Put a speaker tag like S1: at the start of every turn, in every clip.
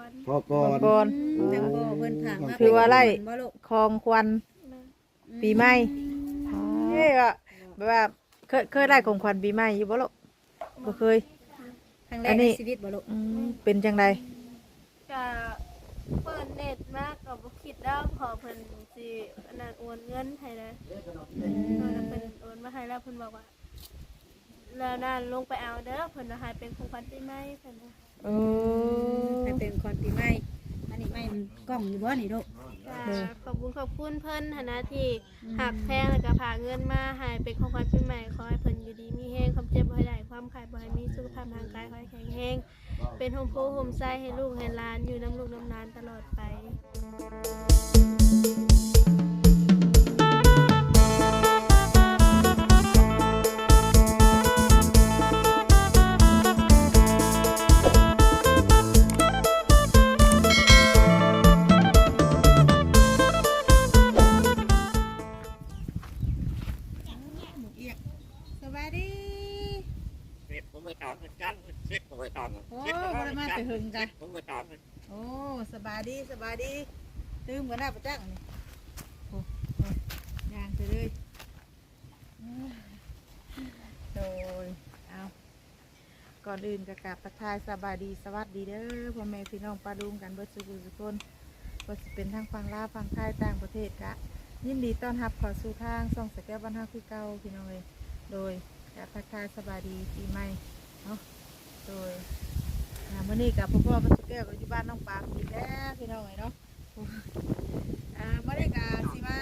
S1: ก่อน
S2: จังบ่เพิ่นถามมา
S1: คือว่าไล่
S2: บ่ลูก
S1: คลองควันปีใหม่เฮ้ยอะแบบว่าเคยได้ของขวัญปีใหม่อยู่บ่ลูกบ่เคย
S2: ครั้งแร
S1: อั
S2: ก
S1: น
S2: ใน
S1: นี้
S2: ชีวิตบ่ลูก
S1: เป็นจังได
S3: ก็เปิดเน็ตมากก็บ่คิดแล้วพอเพิ่นสิอันนั้นโอนเงินให้นะเพิ่นโอนมาให้แล้วเพิ่นบอกว่าแล้วนั่นลงไปเอาเด้อเพิ่นว่าให้เป็นของขวัญปีใหม่เพิ่นว่า
S1: เออ
S2: ให้เป็นคนปีใหม่อันนี้ไม่กล้องอยู่บ่นี่ลูก
S3: ก็ขอบคุณเพิ่นหั้นนะที่หักแพงแล้วก็พาเงินมาให้เป็นของขวัญปีใหม่ขอให้เพิ่นอยู่ดีมีแรงความเจ็บบ่ให้ได้ความขายบ่ให้มีสุขภาพร่างกายขอให้แข็งแรงเป็นโฮมโพโฮมไซให้ลูกให้หลานอยู่น้ำลูกน้ำหลานตลอดไป
S2: สบายดี
S4: เสร็จผมไปตามเหมือนกันเสร็จผมไปตาม
S2: โอ้บ่ได้มาแต่หึงจ้ะ
S4: ผมไปตาม
S2: โอ้สบายดีตื่มกันได้ประจักษ์นี่โอ้ย่างไปเลยโดยเอา
S1: ก่อนอื่นก็กราบทักทายสบายดีสวัสดีเด้อพ่อแม่พี่น้องปลาดุงกันเบิดสุขสุขคนว่าสิเป็นทางฝั่งลาวฝั่งไทยต่างประเทศกะยินดีต้อนรับเข้าสู่ทางส่องสแก้วบ้านเฮาคือเก่าพี่น้องเลยโดยกราบทักทายสบายดีปีใหม่เนาะโดยมื้อนี้กับพ่อบ้านสแก้วก็อยู่บ้านน้องปามอีกแล้วพี่น้องเลยเนาะมื้อนี้ก็สิมา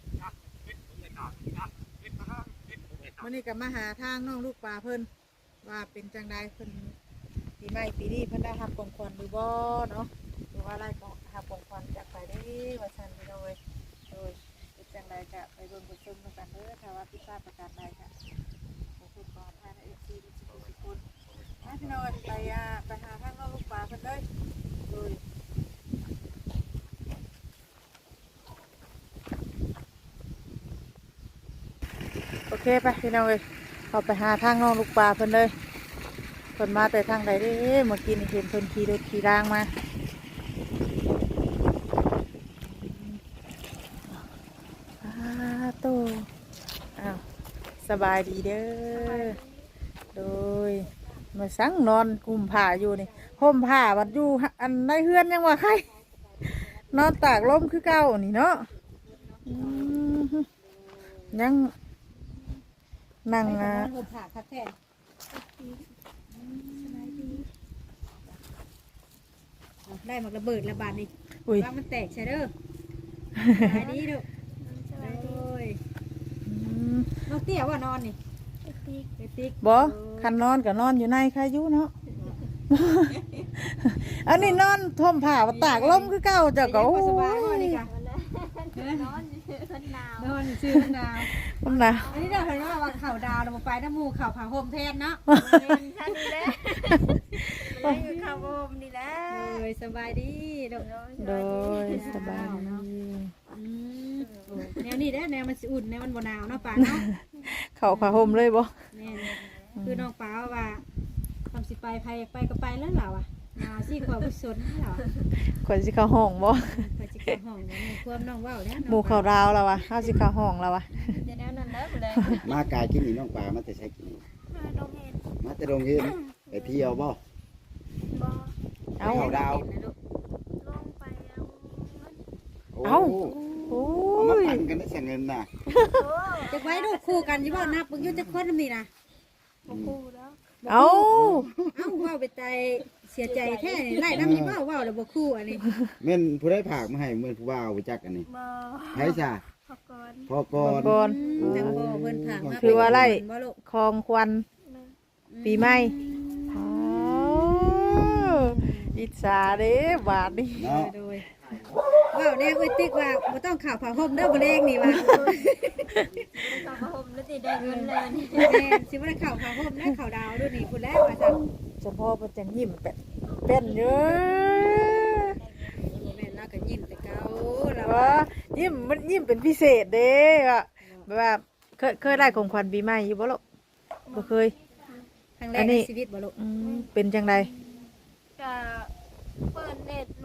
S1: มื้อนี้ก็มาหาทางน้องลูกปลาเพิ่นว่าเป็นจังใดเพิ่นปีใหม่ปีนี้เพิ่นได้รับของขวัญหรือบ่เนาะหรือว่าอะไรก็รับของขวัญจากไปได้ว่าซั่นพี่น้องเอ้ยโดยเป็นจังใดก็ไปเบิ่งไปชมกันเด้อถ้าว่าพิซซ่าประกาศใดค่ะขอบคุณก่อนทาง FC ทุกคนพี่น้องไปหาทางน้องลูกปลาเพิ่นเลยโดยโอเคไปพี่น้องเอ้ยเอาไปหาทางน้องลูกปลาเพิ่นเลยเพิ่นมาแต่ทางใดเด้เมื่อกี้นี่เห็นเพิ่นขี่รถขี่รางมาโตอ้าวสบายดีเด้อโดยมาสั่งนอนกุมผ้าอยู่นี่ห่มผ้าบัดอยู่อันในเฮือนยังว่าใครนอนตากลมคือเก่านี่เนาะยังนั่ง
S2: ไปนอนห่มผ้าคักแท้ได้หมากระเบิดระบาดนี่
S1: อุ้ย
S2: ว่ามันแตกใช่เด้อสบายดีลูก
S3: สบายดี
S2: โอ้ยน้องเตี้ยว่านอนนี่
S3: ติ๊ก
S2: ไปติ๊ก
S1: บ่คันนอนก็นอนอยู่ในใครอยู่เนาะ อันนี้นอนท่มผ้าว่าตากลมคือเก่าเจ้าก็โอ้
S2: สบาย
S1: ย
S2: บ่นี่ค่ะ
S3: นอนอยู่เพิ่นหนาวน
S2: อนชื่อมันดาว
S1: มันนะ
S2: อันนี้เราเห็นว่าข่าวดาวเราไปน้ำมูข่าวผ่าห่มแทนเนาะ
S3: เป็นท่านนี่แหละเลยอยู่ข้าวโอมนี่แหละ
S2: เลยสบายดีลูก
S1: โดยสบายดี
S2: แนวนี้ได้แนวมันสิอุ่นแนวมันบ่หนาวเนาะป่าเนาะ
S1: เข้าผ้าห่มเลยบ่
S2: แม่คือน้องป้าว่าทำสิไปก็ไปแล้วเหรอวะมาสิความกุศลเหรอ
S1: คนสิเข้าห้องบ่
S2: ไปจิเข้าห้องเนี่ยความน้องว่าวเนี่ย
S1: หมู่เข้าราวแล้ววะเฮาสิเข้าห้องแล้ววะ
S3: จะแนวนั้นแล้วเลย
S4: มากายกินนี่น้องปลามาแต่ใช้กิน
S3: มาดงเห็ด
S4: มาแต่โรงเรียนไปเที่ยวบ่
S3: บ่
S1: เอ้า
S4: เอาดาว
S3: ลงไปเอา
S1: เอ้า โอ้
S4: เอามาย ปั่นกันได้เสียเงินน่ะ
S3: โอ้
S2: จะไว้ดูคู่กันยี่บ่นับมึงยุ่งจะคนมีนะ
S3: บ่คู่แล้ว
S1: เอ้า
S2: เอ้าว่าวไปใจเสียใจแท้นี่ไล่น้ำยี่บ่ว่าวแล้วบ่คู่อันนี้
S4: แม่นผู้ได้ผากมาให้เหมือนผู้ว่าเอาไปจักอันนี้
S3: บ่
S4: ไผซะ
S3: ขอบก่อน
S4: พอก่อน
S1: ก่อน
S2: จังบ่เพิ่นถามมา
S1: คือว่าไล่
S2: บ่ลูก
S1: คลองควันปีใหม่อ๋ออิจฉาเด้บาดนี้
S4: เนาะ
S2: โดยว่าวแน่เอ้ยติ๊กว่าบ่ต้องข่าวผ่าห่มเด้อบ่เลงนี่ว่า
S3: ต่อมาห่มแล้วสิได้เงินเลยนี่
S2: แม่สิบ่ได้ข่าวผ่าห่มได้ข่าวดาวด้วยนี่พุ่นแล้วว่าซั่น
S1: เฉพาะมันจะยิ้มเป็นเยอะ
S2: แม่นเราก็ยิ้มแต่เก่าเรา
S1: ว่ายิ้มมันยิ้มเป็นพิเศษเด้อะแบบว่าเคยได้ของขวัญปีใหม่อยู่บ่ลูกบ่เคย
S2: ครั้งแร
S1: อั
S2: ก
S1: นนี้
S2: ในชีวิตบ่ลูก
S1: เป็นจังได
S3: ก็เปิดเน็ต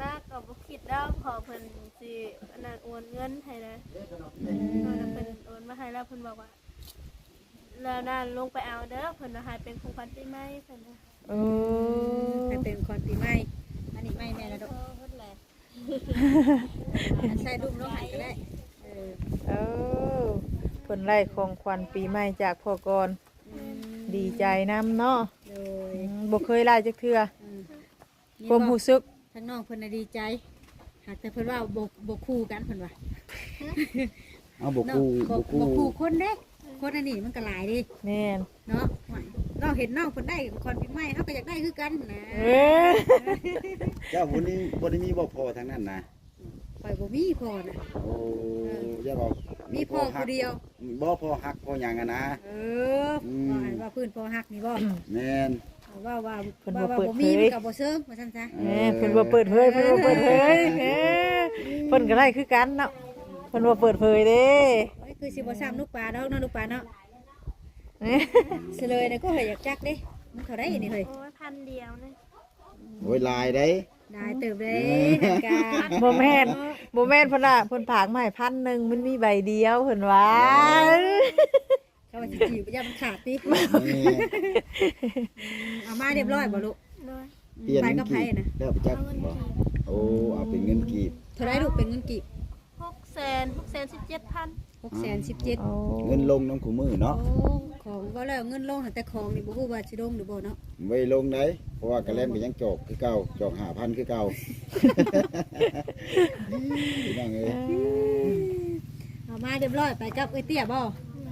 S3: คิดดอกขอเพิ่นสิอันนั้นโอนเงินให้นะแล้วเพิ่นโอนมาให้แล้วเพิ่นบอกว่าแล้วนั่นลงไปเอาเด้อเพิ่นว่าให้เป็นของขวัญปีใหม่เพิ่นนะ
S1: โอ้
S2: ให้เป็นคนปีใหม่อันนี้ไม่แม่ละดอก
S3: เพิ่นแหละ
S2: อันใส่ดุมลงให้ก็ได้
S1: เออเพิ่นไล่ของขวัญปีใหม่จากพ่อก่อนดีใจนํเนาะ
S2: โดย
S1: บ่เคยไล่จักเทื่อความรู้สึก
S2: ทั้งน้องเพิ่นน่ะดีใจหากแต่เพิ่นว่าบ่คู่กันเพิ่นว่า
S5: เอาบ่คู่
S2: บ่คู่คนเด้คนอันนี้มันก็หลายดิ
S1: แม่น
S2: เนาะเราเห็นน้องเพิ่นได้คนปีใหม่เฮาก็อยากได้คือกันนะ
S1: เอ้ย
S5: เจ้าวันนี้บ่ได้มีบ่พอทางนั้นนะ
S2: ข่อยบ่มีพ่อน่ะ
S5: โอ้อย่าบอก
S2: มีพ่อผู้เดียว
S5: บ่พอฮักพอหยังอะนะ
S2: เออว่าพื้นพ่อฮักนี่บ่
S5: แม่น
S2: ว่าบ่มีมันก็บ่เซิงว่าซั่นซะ
S1: แม่นเพิ่นบ่เปิดเผยเพิ่นบ่เปิดเผยเพิ่นก็ไล่คือกันเนาะเพิ่นบ่เปิดเผยเด้
S2: คือสิบ่ซ้ำลูกปลาดอกเนาะลูกปลาเนาะ
S1: เอ้ย
S2: เฉลยน่ะก็เฮยอยากจักเด้มันเท่าไดนี่เฮ้ย
S3: โอ้ย1,000เดียวนะ
S5: โอ้ยลายได้
S2: ได้เติบเด้นันกา
S1: บ่แม่นเพิ่นน่ะเพิ่นผากมาให้1,000มันมีใบเดียวเพิ่นว่า
S2: เขาว่าสิจีบอย่ามันขาดติ
S5: แม่น
S2: เอามาเรียบร้อยบ่ลูก
S3: น้อย
S5: เปลี่ยน
S2: ไป
S5: เงิ
S2: กับ
S5: น
S2: ไผ
S5: กีบ
S2: น่ะ
S5: แล้วไปจัก
S3: เอาเงิน
S5: บ่
S3: กีบ
S5: โอ้เอาเป็นเงินกีบ
S2: เท่าไรลูกเป็นเงินกีบ
S3: 617,000
S2: 617,000
S1: โอ้
S5: เงินลงน้ำคู่มือเนาะ
S2: โอ้ของว่าแล้วเงินลงแต่ของนี่บ่ฮู้ว่าสิลงหรือบ่เนาะ
S5: ไว้ลงได้เพราะว่ากระแลมก็ยังจอกคือเก่าจอก5,000คือเก่าพี่น้องเอ้ย
S2: เอามาเรียบร้อยไปกับเอ้ยเตี้ยบ่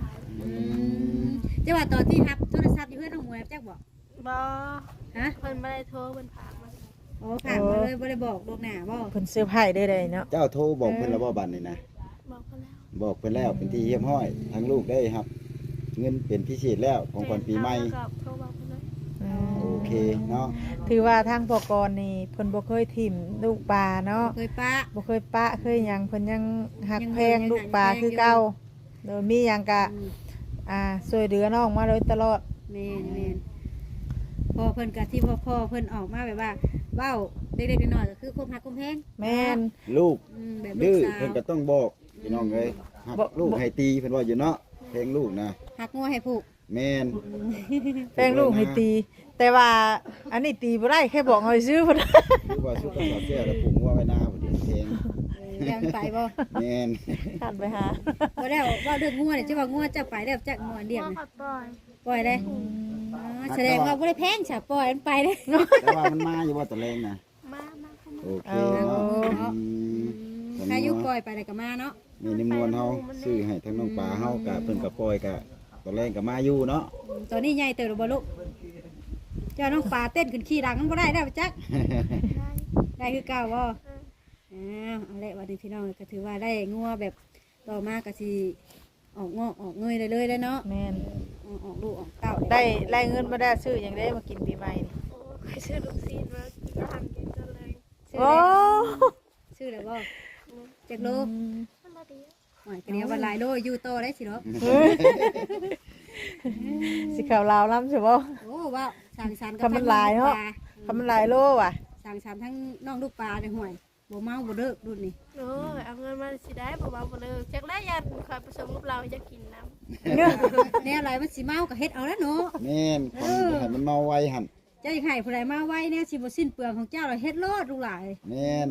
S2: จะว่าตอนที่รับโทรศัพท์อยู่เพื่อนน้องหมวยจักบ่
S3: บ่
S2: ฮะ
S3: เพิ่นบ่ได้โทรเพิ่นฝากมา
S2: โอ้ผ่านมาเลยบ่ได้บอกล่วงหน้าบ่
S1: เพิ่นเซอร์ไพรส์ได้เนาะ
S5: เจ้าโทรบอกเพิ่นแล้วบ่บัดนี้นะ
S3: บอกเพิ่นแล้ว
S5: บอกเพิ่นแล้วเป็นที่เยี่ยมห้อยทั้งลูกได้ครับ เงินเป็นพิเศษแล้วของขวัญปีใหม่
S3: ก็โทรบอกเพิ่นเลย
S5: โอเคเนาะ
S1: ถือว่าทางพ่อกรนี่เพิ่นบ่เคยถิ่มลูกปลาเนาะ
S2: เคยปะ
S1: บ่เคยปะเคยหยังเพิ่นยังหัก
S2: ยัง
S1: แพง
S2: ยัง
S1: ลูกปลา
S2: หักแพง
S1: คือ
S2: อยู่
S1: เก่าโดยมีหยังกะช่วยเหลือน้องมาโดยตลอด
S2: แม่นพอเพิ่นก็ที่พ่อเพิ่นออกมาแบบว่าเว้าเด็กๆน้อยๆก็คือคมหักคมแพง
S1: แม่น
S5: ลูก
S2: แบบลู
S5: ดื้
S2: ก
S5: อ
S2: สาว
S5: เพิ่นก็ต้องบอกพี่น้องเอ้ยหัก
S1: บ่
S5: ลูกให้ตีเพิ่นว่าอยู่เนาะเพลงลูกนะ
S2: หักงัวให้ผูก
S5: แม่น
S1: แป้งลูกให้ตี แต่ว่าอันนี้ตีบ่ได้แค่บอกให้ซื้อเพิ่น
S5: คือว่าสุขภาพแก่แล้วปลูกงัวไว้หน้าบ่ดีเพลง
S2: ยังไปบ่
S5: แม่น
S1: ขันไปหา
S2: บ่ได้ว่าเรื่องงัวนี่จะว่างัวจะไปได้จักงัวเดียว
S3: พ่อ
S2: นะ
S3: ขับปล่อย
S2: ปล่อยได้แสดงว่าบ่ได้แพงฉะปล่อยมันไปเด้
S5: แต่ว่ามันมาอยู่ว่าตะแรงนะ
S3: มาเข้ามา
S5: โอเคเนาะผม
S2: ถ้าอยู่ปล่อยไปได้ก็มาเนาะ
S5: มีนิมนต์เฮาซื้อให้ทั้งน้องปลาเฮากะเพิ่นก็ปล่อยกะตะแรงก็มาอยู่เนาะ
S2: ตอนนี้ใหญ่เติบแล้วบ่ลูกเจ้าน้องปลาเต้นขึ้นขี้ดังมันบ่ได้แล้วจัก
S3: ได้
S2: ได้คือเก่าบ่เอาละวันนี้พี่น้องก็ถือว่าได้งัวแบบต่อมาก็สิออกงอกออกเงยได้เลยแล้วเนาะ
S1: แม่น
S2: ออกลูกออกเต้า
S1: ได้ไล่เงินมาได้ซื้อหยังได้มากินปีใหม่นี่
S3: โอ้ใครซื้อลูกซีนมาย่างกินกันเลย
S2: ซื้อ
S1: โอ้
S2: ซื้อแล้วบ่จักโล
S3: มันละเดียว
S2: หอยกระเดียววันหลายโลอยู่โตได้สิเนาะ
S1: สิข่าวลาวล้ำใช่บ่
S2: โอ้ว้าวสั่งสรรค์
S1: คำมันหลายเนาะ คำมันหลายโลว่ะ
S2: สั่งสรรค์ทั้งน้องลูกปลาในห่วยบ่เมาบ่เลิกรุ่นนี้
S3: โอ้ยเอาเงินมาสิได้บ่เบาบ่เลิกจักได้ยันคอยผสมกับเราจะกินน้ำ
S2: แนวอะไรมันสิเมาก็เฮ็ดเอาแล้วเนาะ
S5: แม่นคนจะให้มันเมาไวหั่น
S2: เจ้าอยากให้ผู้ใดมาไว้เนี่ยสิบ่สิ้นเปลืองของเจ้าเราเฮ็ดโลดลูกหลาย
S5: แม่น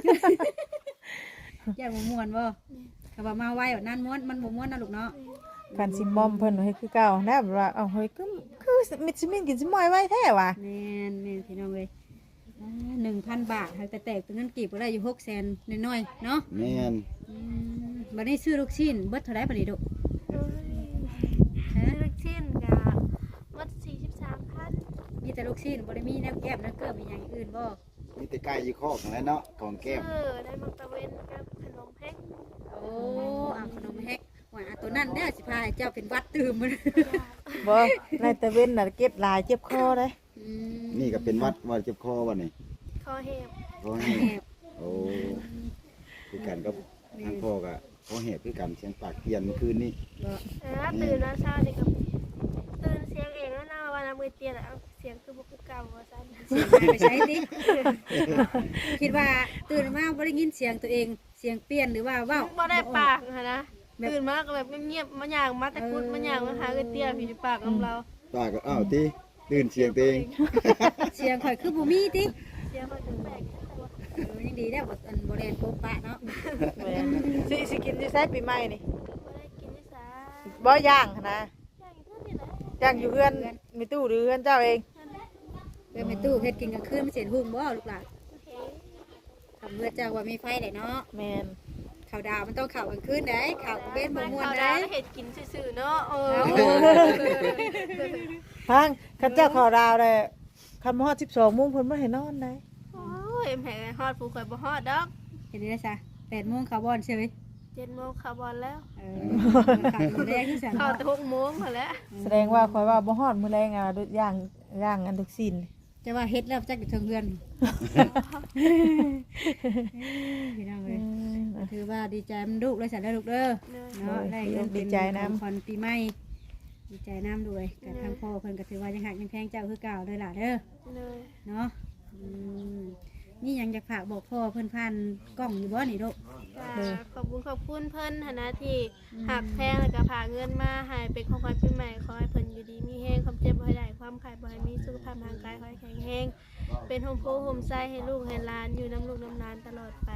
S2: อยากบ่ม่วนบ่ถ้าว่ามาไว้แบบนั้นม่วนมันบ่ม่วนนะลูกเนาะ
S1: คันสิมอมเพิ่นให้คือเก่านะแบบว่าเอาเฮ้ยคือมิดสิมินกินสิมอยไว้แท้ว่ะ
S2: แม่นพี่น้องเอ้ย1,000 บาทหากแต่แตกเป็นเงินกีบก็ได้อยู่600,000น้อยๆเนาะ
S5: แม่น
S2: บัดนี้ซื้อลูกชิ้นเบิดเท่าไหร่บัดนี้ลูก
S3: โอ้ยซื้อลูกชิ้นกับวัด43,000
S2: มีแต่ลูกชิ้นบ่ได้มีแนวแก้มแนวเกลือมีอย่างอื่นบ่
S5: มีแต่ไก่ยี่คอกนั่นแหละเนาะของแก้ม
S3: ได้มักตะเวนกับขนมเพ็ก
S2: โอ้เอาขนมแฮกว่าอันตัวนั้นเด้อสิพาให้เจ้าเป็นวัดตื่มมัน
S1: บ่ในตะเว้นน่ะเก็บหลายเจ็บคอเด้
S5: นี่ก็เป็นวัดว่าเจ็บคอวันนี้
S3: คอเห็บ
S5: คอแหบโอ้คือกันกับทางพ่อก็คอแหบคือกันเสียงปากเปลี่ยนเมื่อคืนนี้
S3: ตื่นแล้วเช้านี่ก็ตื่นเสียงเองแล้วนะวันน้ำมือเตี้ยแล้วเสียงคือบ่คือเก่าว่าซั่น
S2: เสียงหายไปใช้ติ คิดว่าตื่นมาบ่ได้ยินเสียงตัวเองเสียงเปลี่ยนหรือว่าเว้า
S3: บ่ได้ปากหั่นนะตื่นมาก็แบบเงียบๆมาย่างมาแต่กุดมาย่างมาหาเอ้ยเตี้ยพี่ปากกับเรา
S5: ป้าก็อ้าวติตื่นเสียงตัวเอง
S2: เสียงข่อยคือบ่มีติ
S3: เสียงมันแปลก
S2: ยังดีแล้วบ่แล่นโป๊ะปะเนาะ
S1: แม่นสิกินที่ไสปีใหม่นี่
S3: บ่ได้กินได้ซะ
S1: บ่ย่างหั้นนะ
S3: ย่างอยู่เท่านี้แหละ
S1: ย่างอยู่เฮือนมีตู้หรือเฮือนเจ้าเอง
S2: เพิ่นไปตู้เฮ็ดกินกลางคืนมันเสียหุ่งบ่ลูกหลาน
S3: โอเค
S2: ทำเมื่อเจ้าว่ามีไฟได้เนาะ
S1: แม่น
S2: ข้าวดาวมันต้องข้าวกลางคืนได้ข้าวกลางเว้นบ่ม่วน
S3: ข้าว
S2: ได้
S3: ดาวเฮ็ดกินซื่อๆเนาะ
S1: พังคันเจ้าเข้าดาวได้คันบ่ฮอด12:00นเพิ่นบ่ให้นอนได้
S3: โอ้ยแม่ฮอดผู้ข่อยบ่ฮอดดอก
S2: เห็นได้ซะ8:00 นคาร์บอนใช่ไหม
S3: 7 โมงเข้าบอลแล้ว
S2: ข้าวมื้อแรกที่สั่น
S3: เข้าแต่6 โมงพอแล้ว
S1: แสดงว่าข่อยว่าบ่ฮอดมื้อแรงอ่ะย่างอันทุกสิ้น
S2: จะว่าเฮ็ดแล้วจักอยู่เทิงเฮือนพี่น้องเอ้ยถือว่าดีใจมันลูกเลยสั่นเด้อลูกเด้อ เนาะได้เงินเป็นของขวัญปีใหม่ดีใจน้ำด้วยกับทางพ่อเพิ่นก็ถือว่ายังหักยังแพงเจ้าคือเก่าเลยล่ะเด้อ
S3: เลย
S2: เนาะนี่ยังจะฝากบอกพ่อเพิ่นผ่านกล้องอยู่บ่นี่ลูก
S3: ขอบคุณเพิ่นหั้นนะที่หักแพงแล้วก็พาเงินมาให้เป็นของขวัญปีใหม่ขอให้เพิ่นอยู่ดีมีแห้งความเจ็บบ่ให้ได้ความไข้บ่ให้มีสุขภาพร่างกายขอให้แข็งแรงเป็นโฮมโพโฮมไซให้ลูกให้หลานอยู่น้ำลูกน้ำหลานตลอดไป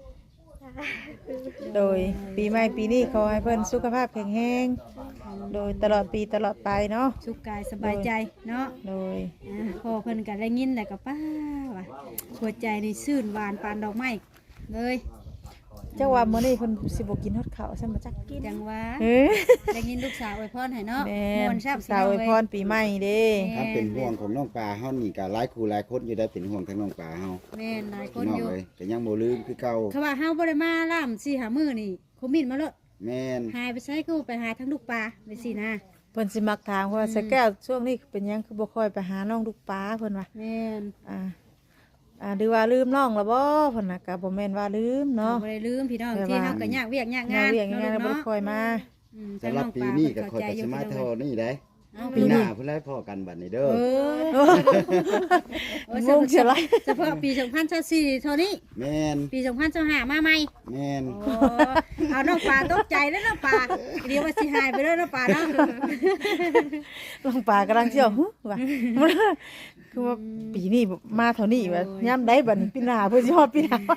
S1: โดยปีใหม่ปีนี้ขอให้เพิ่นสุขภาพแข็งแรงโดยตลอดปีตลอดไปเนาะ
S2: สุขกายสบายใจเนาะ
S1: โดย
S2: พ่อเพิ่นก็ได้ยินแล้วก็ป้าว่ะหัวใจนี่ชื่นหวานปานดอกไม้เลย
S1: เจ้าว่ามื้อนี้เพิ่นสิบ่กินฮอดข้าวซั่นบ่จักกิน
S2: จังว่า
S1: เฮ้ย
S2: ได้ยินลูกสาวอวยพรให้เนาะ
S1: แม่
S2: ม่วน นซับ
S1: สาวอวยพรปีใหม่เด้
S5: ถ้าเป็นห่วงของน้องปลาเฮานี่ก็หลายคู่หลายคนอยู่ได้เป็นห่วงทั้งน้องปลาเฮา
S2: แม่นหลายค
S5: พี่
S2: น
S5: น้อง
S2: อยู่
S5: เอ้ยก็ยังบ่ลืมคือเก่า
S2: เขาว่าเฮาบ่ได้มาล่าม4 5มื้อนี่คอมมินมาโลด
S5: แม่น
S2: หายไปใช้คือไปหาทั้งลูกปลาไปสินะ
S1: เพิ่นสิมักถามว่าสแก้วช่วงนี้เป็นหยังคือบ่ค่อยไปหาน้องลูกปลาเพิ่นว่า
S2: แม่น
S1: หรือว่าลืมน้องแล้วบ่เพิ่นน่ะก็บ่แม่นว่าลืมเนาะ
S2: บ่ได้ลืมพี่น้อง
S1: แต่
S2: ที่
S1: ว่า
S2: เฮาก็ยากเวียกยากงาน
S1: เวียกงานบ่ได้
S2: เนาะ
S1: ค่อยมา
S5: สำหรับปีนี้ก็ค่อยก็สิมาเท่านี้ได้
S2: เอา
S5: ปีหน้าเพิ่นได้พอกันบัดนี้เด้อ
S1: งงเสียไร
S2: เฉพาะปี2024เท่านี้
S5: แม่น
S2: ปี2025มาใหม่
S5: แม่น
S2: โอ้เอาน้องปลาตกใจแล้วน้องปลาเดี๋ยวว่าสิหายไปเด้อน้องปลาเนาะ
S1: ลงปลากำลังเที่ยวฮึว่าคือว่าปีนี้มาเท่านี้ว่าย่ำได้บัดนี้ปีหน้าเพิ่นสิฮอดปีหน้า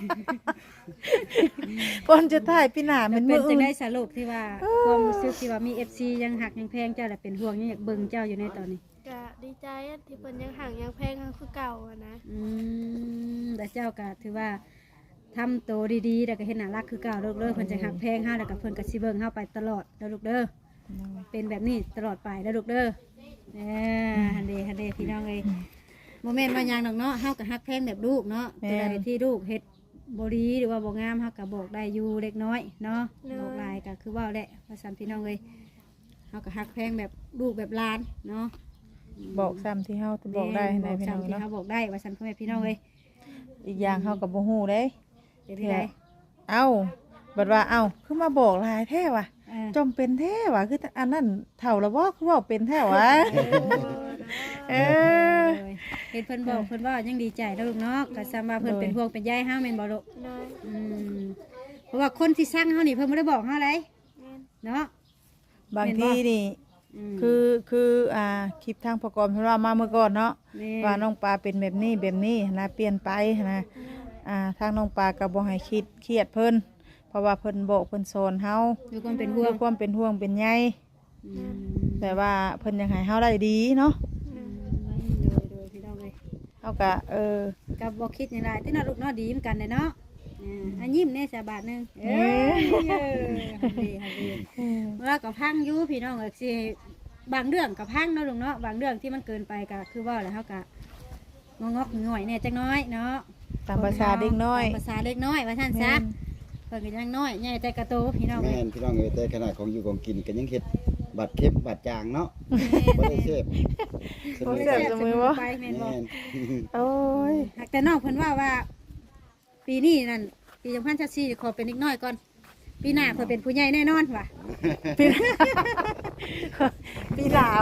S1: ก่อนจะถ่ายปีหน้ามัน
S2: เป็
S1: มื้
S2: น
S1: อ
S2: จั
S1: อื่
S2: ง
S1: น
S2: ได้สรุปที่ว่าความรู้สึกที่ว่ามี FC ยังหักยังแพงเจ้าแหละเป็นห่วงยังอยากเบิ่งเจ้าอยู่ในตอนนี้
S3: ก็ดีใจที่เพิ่นยังห่างยังแพงคือเก่าอะนะ
S2: แต่เจ้าก็ถือว่าทำโตวดีๆแล้วก็เห็นน่ารักคือเก่าเลิกเพิ่นจะหักแพงเฮาแล้วก็เพิ่นก็สิเบิ่งเฮาไปตลอดเด้อลูกเด้อเป็นแบบนี้ตลอดไปเด้อลูกเด้อฮันเดพี่น้องเอ้ยโมเมนต์ว่าหยังดอกเนาะเฮาก็หักแพงแบบลูกเนาะตัวใดที่ลูกเฮ็ดบ่ดีหรือว่าบ่งามเฮาก็บอกได้อยู่เล็กน้อยเนาะบอกหลายก็คือเว้าแหละว่าซั่นพี่น้องเอ้ยเฮาก็หักแพงแบบลูกแบบหลานเนาะ
S1: บอกซ้ำที่เฮาบอกได้ให้
S2: บอก
S1: พี่น้อง
S2: ซ้ำที่
S1: เนาะ
S2: เฮาบอกได้ว่าซั่นพ่อแม่พี่น้องเอ้ย
S1: อีกอย่างเฮาก็บ่ฮู้เด้
S2: เป็นที่ใด
S1: เอ้าบัดว่าเอ้าคือมาบอกหลายแท้ว่ะ
S2: เออ
S1: จอมเป็นแท้ว่ะคืออันนั้นเฒ่าแล้วบ่คือเว้าเป็นแท้วะเออ
S2: เห็นเพิ่นบอกเพิ่นว่ายังดีใจแล้วลูกเนาะก็ซ้ำว่าเพิ่นเป็นห่วงเป็นใยเฮาแม่นบ่ลูก
S3: เลย
S2: เพราะว่าคนที่สร้างเฮานี่เพิ่นบ่ได้บอกเฮาเลย
S3: แม่น
S2: เนาะ
S1: บางทีนี่
S2: ม
S1: คือคลิปทางประกอบเพิ่นว่ามาเมื่อก่อนเนาะ
S2: แม่
S1: ว่าน้องปลาเป็นแบบนี้นะเปลี่ยนไปนะทางน้องปลาก็บ่ให้คิดเครียดเพิ่นเพราะว่าเพิ่นบอกเพิ่นสอนเฮา
S2: ด้วยความเป็นห่ว
S1: ด้
S2: ง
S1: วยความเป็นห่วงเป็นใย
S2: อืม
S1: แต่ว่าเพิ่นยังให้เฮาได้ดีเนาะ
S2: โดยพี่น้องเอ้ย
S1: เฮาก็
S2: ก็บ่คิดหยังหลายที่น่าลูกเนาะดีเหมือนกันเด้เนาะอันยิ้มแน่สาบาทหนึงฮันดีว่าก็พังอยู่พี่น้องเอ้ยสิบางเรื่องก็พังเนาะลูกเนาะบางเรื่องที่มันเกินไปก็คือว่าแล้วเฮาก็งอกๆง่อยๆแน่จักหน้อยเนาะ
S1: ตามภาษาเด็กน้อย
S2: ตามภาษาเล็กน้อยว่าท่านซะเพิ่นก็ยังน้อยใหญ่แต่กระโตพี่น้อง
S5: แม่นพี่น้องเอ้ยแต่ขนาดของอยู่ของกินก็ยังเฮ็ดบัตรเค็มบัตรจางเนาะบ่ได้เสพ
S1: บ่แซ่บเสมอบ่
S2: ไปแม่นบ่
S5: แม่น
S1: โอ้ย
S2: หากแต่น้องเพิ่นว่าปีนี้นั่นปี2024ขอเป็นเด็กน้อยก่อนปีหน้าเพิ่นเป็นผู้ใหญ่แน่นอนว่ะ
S1: ปีหนาว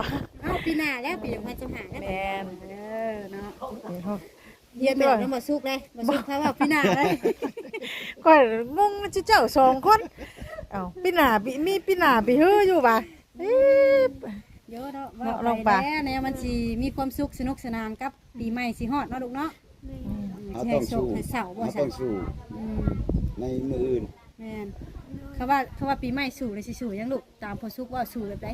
S2: อ้าปีหน้าแล้วปี2025กัน
S1: แม่น
S2: เนาะ
S1: นี่เฮา
S2: เฮียนแบบน้ำบ่สุกเลยบ่สุกถ้าว่าปีหน้าเลย
S1: ก็งงเจ้าสองคนเอ้าปีหน้ามีปีหน้าไปฮื้ออยู่บ่ะเอ๊ะ
S2: เยอะเนาะ
S1: เนาะล
S2: ว่า
S1: อง
S2: ไป
S1: ปะ
S2: แล้วเนี่ยมันสิมีความสุขสนุกสนานกับปีใหม่สิฮอดเนาะลูกเนาะ
S5: เขา
S2: สิ
S5: ต้
S2: ให้
S5: อง
S2: โช
S5: สู้
S2: คให้เสาบ่
S5: เขา
S2: ซั่
S5: ต้องสู้
S2: อืม
S5: ในมืออื่น
S2: แม่นเขาว่าปีใหม่สู่เลยสิสู่หยังลูกตามพอสุกว่าสู่แบบใด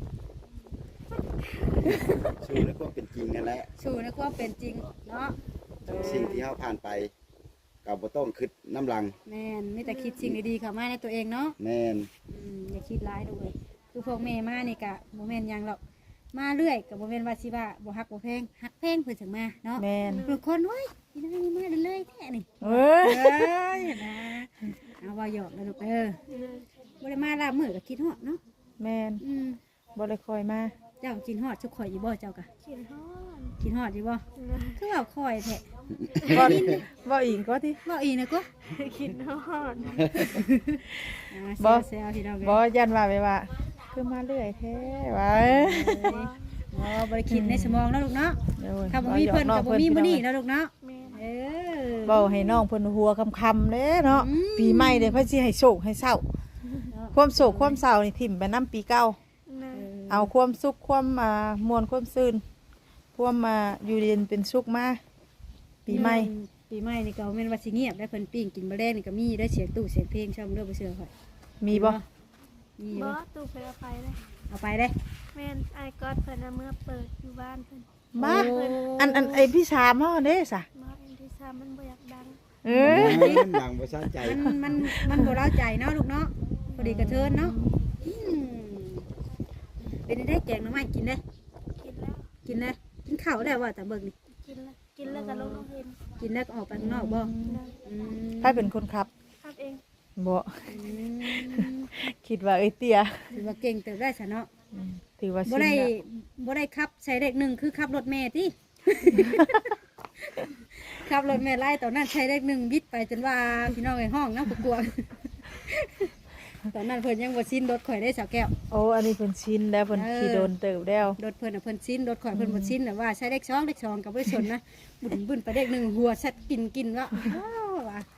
S5: สู้แล้วก็เป็นจริงนั่นแหละ
S2: สู่ในความเป็นจริงเนาะ
S5: สิ่งที่เขาผ่านไปกับบ่ต้องคิดน้ำลัง
S2: แม่นมีแต่คิดสิ่งดีๆเข้ามาในตัวเองเนาะ
S5: แม่น
S2: อย่าคิดร้ายด้วยคือพวกแม่มานี่กะโมเมนหยังหรอกมาเรื่อยกับโมเมนว่าสิว่าบ่ฮักบ่แพงฮักแพงเพิ่นถึงมาเนาะ
S1: แม่น
S2: ทุกคนเว้ยพี่น้องมาเรื่อยๆแท้นี่
S1: เอ้ย
S2: เอ้ยนะเอาว่าหยอกนะลูกบ่ได้มาลาบมื้อก็คิดฮอดเนาะ
S1: แม่นบ่ได้คอยมา
S2: เจ้ากินฮอดชุกข่อยอยู่บ่เจ้ากะ
S3: กินฮอด
S2: กินฮอดอยู่บ่คือว่าข่อยแท้
S1: บ่บ่อีกก็ที่
S2: บ่อีกนะกู
S3: กินฮอด
S1: บ่
S2: แซวๆพี่น้อง
S1: บ่ยันว่าไปว่าคือมาเรื่อยแท้ว่า
S2: บ่บ่ได้คิดในสมองเนาะลูกเนาะ
S1: โอ้ย
S2: ถ้าบ่มีเพิ่นก็บ่มีมื้อนี้เนาะลูกเนาะ
S3: แม่น
S2: เออ
S1: เว้าให้น้องเพิ่นหัวคำๆเด้เนาะ
S2: อืม
S1: ปีใหม่เด้เพิ่นสิให้โศกให้เศร้าความโศกความเศร้านี่ทิ่มไปนํปีเก่า
S3: นะ
S1: เอาความสุขความม่วนความซื่นความอยู่เย็นเป็นสุขมาปีใหม่
S2: ปีใหม่นี่ก็แม่นว่าสิเงียบได้เพิ่นปิ้งกินบ่แลงนี่ก็มีได้เสียงตู้เสียงเพลงช่อมเด้อบ่เชื่อข่อย
S1: มีบ่
S2: มี
S3: บ่
S2: บ่
S3: ตู้เพิ่นเอาไปเลย
S2: เอาไปได้
S3: แม่นไอ้ก๊อดเพิ่นเอามื่อเปิดอยู่บ้านเพิ่น
S1: มา
S2: โอ้
S1: อันไอ้พี่ชามเฮาเด้ซะ
S3: บ่อันที่3มันบ่อยากดัง
S1: เออ
S5: ดังบ่สะใจ
S2: มันบ่เล่าใจเนาะลูกเนาะพอดีกระเทินเนาะอืมเป็นได้แกงหน่อไม้กินได้
S3: กินแล้ว
S2: กินได้กินข้าวได้ว่าแต่เบิ่งนี่
S3: กินแล้วก็ลงเห็น
S2: กินแล้วก็ออกไปข้างนอกบ่
S3: นะ
S2: อืม
S1: ใครเป็นคนขับ
S3: ครับเอง
S1: บ่
S2: อืม
S1: คิดว่าเอ้ยเตี้ย
S2: ถือว่าเก่งเติบได้ซะเนาะ
S1: ถือว่า
S2: บ่
S1: ชิน
S2: ได้
S1: ละ
S2: บ่ได้ขับใช้เลขหนึ่งคือขับรถแม่ติ ขับรถแม่ไล่ตอนนั้นใช้เลขหนึ่งบิดไปจนว่าพี่น้องในห้องน้ำกลัวๆตอนนั้นเพิ่นยังบ่ชินรถข่อยได้สาวแก้ว
S1: โอ้อันนี้เพิ่นชินแล้วเพิ่น
S2: เออ
S1: ขี่โดนเติบแล้ว
S2: รถเพิ่นน่ะเพิ่นชินรถข่อยเพิ่นบ่ชินแต่ว่าใช้เลข2เลข2กับบ่ได้ชนนะบุ่นไปเลขหนึ่งหัวชัดกินว่าอ้าวว่ะ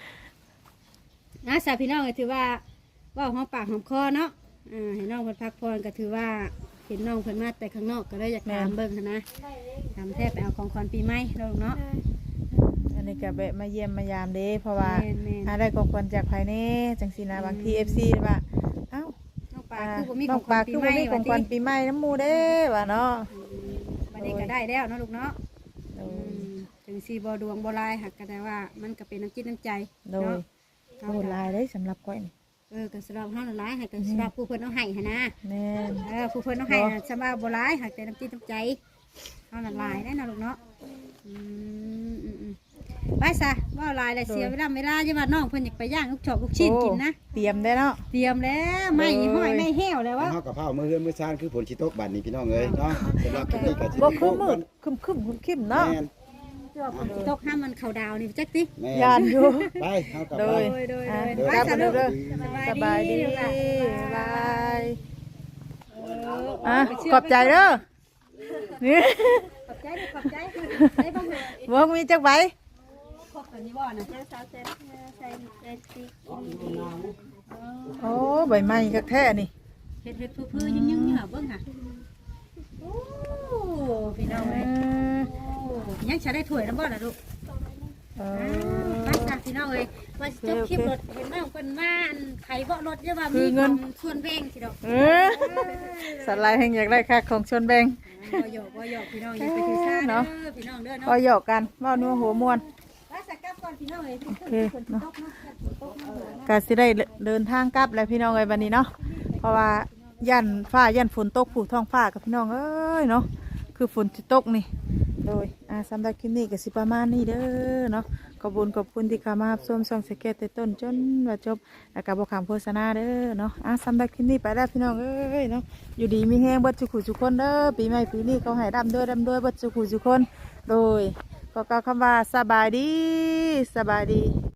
S2: สาวพี่น้องก็ถือว่าเว้าหอมปากหอมคอเนาะให้น้องเพิ่นพักผ่อนก็ถือว่าเห็นน้องเพิ่นมาแต่ข้างนอกก็เลยอยากถามเบิ่งหั้นนะถามแทบไปเอาของขวัญปีใหม่เนาะลูกเนาะ
S1: อันนี้ก็แวะมาเยี่ยมมายามเด้เพราะว่า
S2: แม่น
S1: หาได้ของขวัญจากภายในจังซี่นะบางที FC ว่าเอ้า
S2: น้องปลาคือบ่มีข
S1: น้
S2: อ
S1: อง ง
S2: ขวั
S1: ปลา
S2: ญปี
S1: คือ
S2: ให
S1: บ่
S2: ม่
S1: มีของขวัญปีใหม่น้ำหมู่เด้ว่าเนาะ
S2: วันนี้ก็ได้แล้วเนาะลูกเนาะ
S1: โด
S2: อื
S1: ย
S2: มถึงสีบ่ดวงบ่ลายหักก็ได้ว่ามันก็เป็นน้ำจิตน้ำใจ
S1: โดย
S2: เนาะ
S1: โอ้หลายเด้สำหรับก้อยนี่
S2: ก็สำหรับเฮาน่ะหลายหักก็สำหรับผู้เพิ่นเอาให้หั่นนะ
S1: แม่น
S2: ผู้เพิ่นเอาให้น่ะสำหรับบ่หลายหักแต่น้ำจิตน้ำใจเฮาน่ะหลายได้เนาะลูกเนาะอืมไปซะว่าหลายแล้วเสียเวลาอย่าว่าน้องเพิ่นอยากไปย่างลูกชอกลูกชิ้นกินนะ
S1: โอ้เตรียมได้เนาะ
S2: เตรียมแล้วไม่ห้อยไม่แห้วแล้ววะ
S5: เฮากับเผามื้อเฮือนมื้อซ่านคือฝนสิตกบัดนี้พี่น้องเอ้ยเนาะสำหรับคลิปนี้ก็สิ
S1: บ่คือมืดคึมๆคิมๆเนาะ
S5: แม่น
S2: ตกห้ามมันเข้าดาวนี่จักติ
S5: แม่
S1: ยานอยู่
S5: ไปเฮากับ
S1: โด
S5: ไป
S1: ย
S2: โดย
S1: อ่ะ
S2: โดย
S1: กลับ
S2: ไป
S1: มา
S2: ซะ
S1: เด้อ
S2: สบายดี
S1: สบายดี
S2: ลูกหลาน
S1: บายอ่ะขอบใจเด้อนี่
S2: ขอบใจดิขอบใจได้บ้างเหรอ
S1: บ่มีจักใบ
S2: ครบกันนี่บ่นะ
S3: เจ้าสาวใส่ติ๊กกินดี
S1: โอ้ใบไม้คักแท้นี่
S2: เฮ็ดพื้นๆยึงๆนี่หรอเบิ่งค่ะโอ้พี่น้องเอ้ยยังจะได้ถ้วยแล้วบ่ล่ะลูก
S1: เอ
S2: ไป
S1: อ
S2: จ้ะพี่น้องเอ้ยว่าสิจบคลิปรถเห็นน้องเพิ่นมาอันไขเบาะรถเยอะว่า
S1: คื
S2: มี
S1: อเงิน
S2: ของส่วนแบ่งสิดอก
S1: เออสไลด์แห่งอยากได้ค่าของชนแบง
S2: บ่หยอกพี่น้องอย่าไปถือสาเด้อพี่น้องเด้อ
S1: ก็
S2: เนาะ
S1: หยอกกันเว่านัวหัวมวน
S2: ไปสักกลับก่อนพี่น้องเอ้ย
S1: โอเคเนาะก็สิได้เดินทางกลับแล้วพี่น้องเอ้ยวันนี้เนาะเพราะว่ายันฟ้ายันฝนตกผูท้องฟ้ากับพี่น้องเอ้ยเนาะคือฝนที่ตกนี่โดยสำหรับคลิปนี้ก็สิประมาณนี้เด้อเนาะขอบคุณที่เข้ามารับชมส่องสเก็ตแต่ต้นจนว่าจบแล้วก็บ่ขามโฆษณาเด้อเนาะสำหรับคลิปนี้ไปแล้วพี่น้องเอ้ยเนาะอยู่ดีมีแฮงเบิดสุขุสุคนเด้อปีใหม่ปีนี้เขาให้ร่ำด้วยเบิดสุขุสุคนโดยก็กล่าวคำว่าสบายดี